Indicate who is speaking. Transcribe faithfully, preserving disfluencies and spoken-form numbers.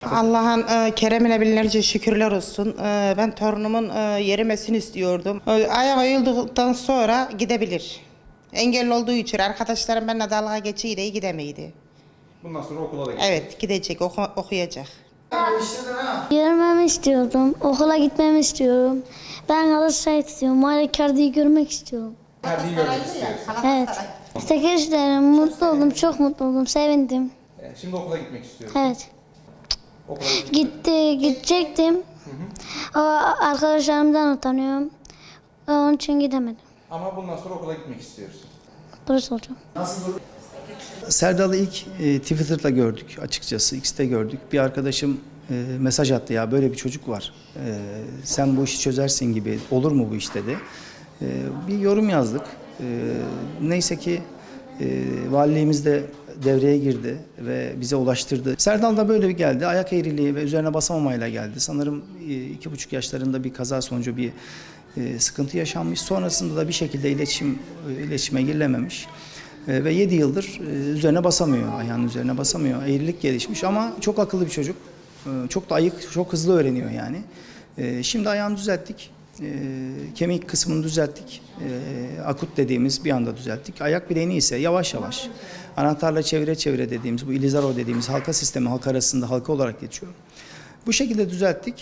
Speaker 1: Allah'ın e, keremine binlerce şükürler olsun. E, ben torunumun e, yerimesini istiyordum. E, ayağı ayıldıktan sonra gidebilir. Engelli olduğu için arkadaşlarım benimle dalga geçiyle gidemeydi.
Speaker 2: Bundan sonra okula da gidecek.
Speaker 1: Evet, gidecek, oku, okuyacak.
Speaker 3: Görmemi istiyordum. Okula gitmemi istiyorum. Ben Galatasaray istiyorum. Mario Icardi'yi görmek istiyorum.
Speaker 2: Icardi'yi görmek istiyorsun.
Speaker 3: Evet. Teşekkür mutlu oldum. Çok mutlu oldum. Sevindim.
Speaker 2: Evet, şimdi okula gitmek istiyorsun.
Speaker 3: Evet.
Speaker 2: Okula gitmek.
Speaker 3: Gitti, gidecektim. O arkadaşlarımdan utanıyorum. Onun için gidemedim.
Speaker 2: Ama bundan sonra okula gitmek istiyorsun.
Speaker 3: Polis olacağım.
Speaker 4: Serdal'ı ilk e, Twitter'da gördük açıkçası. X'te gördük. Bir arkadaşım e, mesaj attı, ya böyle bir çocuk var. E, sen bu işi çözersin gibi. Olur mu bu iş dedi. E, bir yorum yazdık. E, neyse ki e, valiliğimiz de devreye girdi ve bize ulaştırdı. Serdal da böyle bir geldi. Ayak eğriliği ve üzerine basamamayla geldi. Sanırım e, iki buçuk yaşlarında bir kaza sonucu bir e, sıkıntı yaşanmış. Sonrasında da bir şekilde iletişim e, iletişime girilememiş. E, ve yedi yıldır e, üzerine basamıyor, ayağının üzerine basamıyor. Eğrilik gelişmiş ama çok akıllı bir çocuk. E, çok da ayık, çok hızlı öğreniyor yani. E, şimdi ayağını düzelttik. E, kemik kısmını düzelttik. E, akut dediğimiz bir anda düzelttik. Ayak bileğini ise yavaş yavaş anahtarla çevire çevire dediğimiz bu ilizaro dediğimiz halka sistemi halk arasında halka olarak geçiyor. Bu şekilde düzelttik.